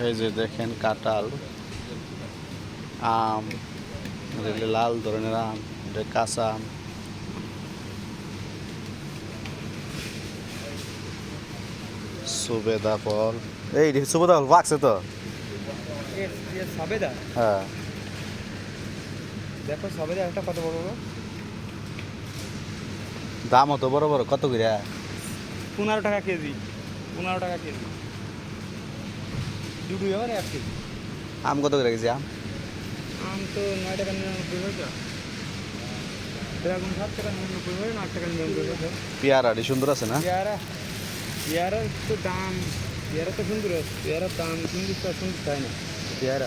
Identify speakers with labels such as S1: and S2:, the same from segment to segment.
S1: এই যে দেখেন কাঁঠাল, আম, লাল ধরনের আম, এটা কাঁচা আম। সুবেদা ফল, এই সুবেদা ফল পাকছে তো।
S2: সবেদা,
S1: হ্যাঁ
S2: দেখো সবেদা একটা কত বড় বড়।
S1: দাম অত বড় বড় কত করে?
S2: 15 টাকা কেজি, 15 টাকা কেজি। দুটো এবার 1 কেজি।
S1: আম কত করে কেজি? আম
S2: আম তো 9 টাকা 99 পয়সা, ড্রাগন 7 টাকা 99 পয়সা, 8 টাকা 99 পয়সা।
S1: পেয়ারাটি সুন্দর আছে না?
S2: পেয়ারা, পেয়ারার তো দাম, পেয়ারা তো সুন্দর আছে, পেয়ারার দাম সুন্দর তো সুন্দর তাই না পেয়ারা।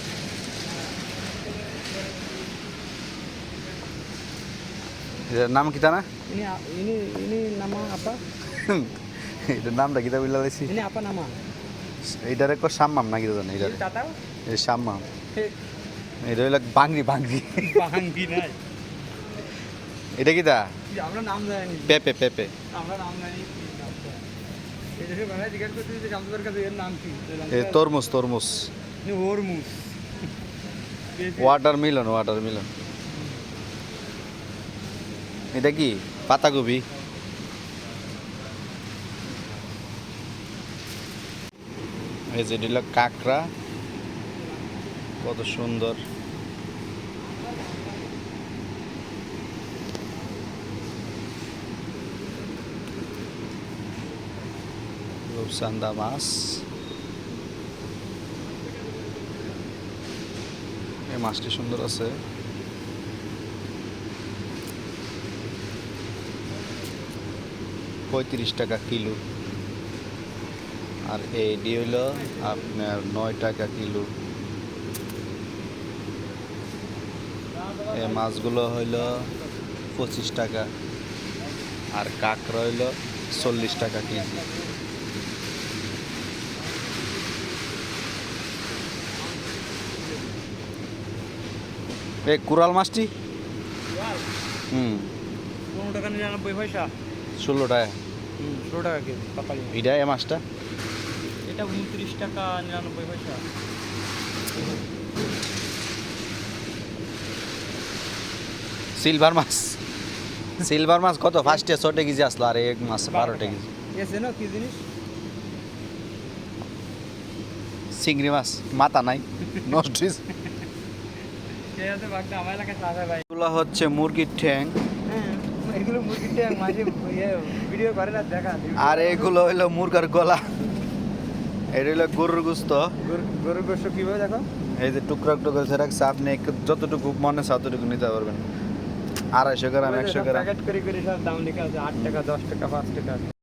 S1: এটার নাম কিতা না?
S2: ইনি ইনি ইনি নামা আপা,
S1: এটার নামটা কিতা বললা দিছি?
S2: ইনি আপা নামা।
S1: এইটারে কো সাম্মাম না কিতা জানি এটারে?
S2: টাটা
S1: এই সাম্মাম, এটা হইলো বাংরি বাংরি।
S2: বাহাঙ্গি নাই,
S1: এটা কিতা?
S2: আমরা নাম জানি,
S1: পেপে পেপে।
S2: আমরা নাম জানি। এই দেশে বাংলায় জিজ্ঞাসা করতে যে জামদার কাছে এর নাম কি?
S1: এই তরমুজ তরমুজ,
S2: ওরমুজ।
S1: Watermelon watermelon. এটা কি? পাতাকপি। এই যে এটা হলো কাঁকড়া, কত সুন্দর। রূপচান্দা মাছ, এই মাছটি সুন্দর আছে। $35 কিলো। আর এইটি হইল আপনার $9 কিলো। এই মাছগুলো হইল 25 টাকা, আর কাঁকড়া হইল 40 টাকা কেজি। এই কুরাল মাছটি
S2: 15 টাকা 99 পয়সা,
S1: 16 টাকা।
S2: 16 টাকা কেজি পাকালি।
S1: এটা এই মাছটা
S2: এটা 29 টাকা 99 পয়সা।
S1: সিলভার মাছ, সিলভার মাছ কত? ফার্স্টে 6 কেজি আসলো, আর এক মাছ 12 কেজি।
S2: এসে না কি জিনিস?
S1: চিংড়ি মাছ মাথা নাই, নষ্ট হয়েছে।
S2: আমার এলাকায় চাষা ভাই।
S1: এগুলো হচ্ছে মুরগির ঠ্যাং,
S2: হ্যাঁ, এগুলো মুরগির ট্যাং মাঝে ভিডিও করে না দেখা।
S1: আর এগুলো হইলো মুরগার গলা। এটা হইলো গরুর গোস্ত।
S2: গরুর গোশত কিভাবে দেখো?
S1: এই যে টুকরা টুকরা রাখছে, আপনি যতটুকু মনে চায় ততটুকু নিতে পারবেন। 250 গ্রাম 100 গ্রাম।
S2: প্যাকেট করে করে সব দাম লেখা আছে, 8 টাকা 10 টাকা 5 টাকা।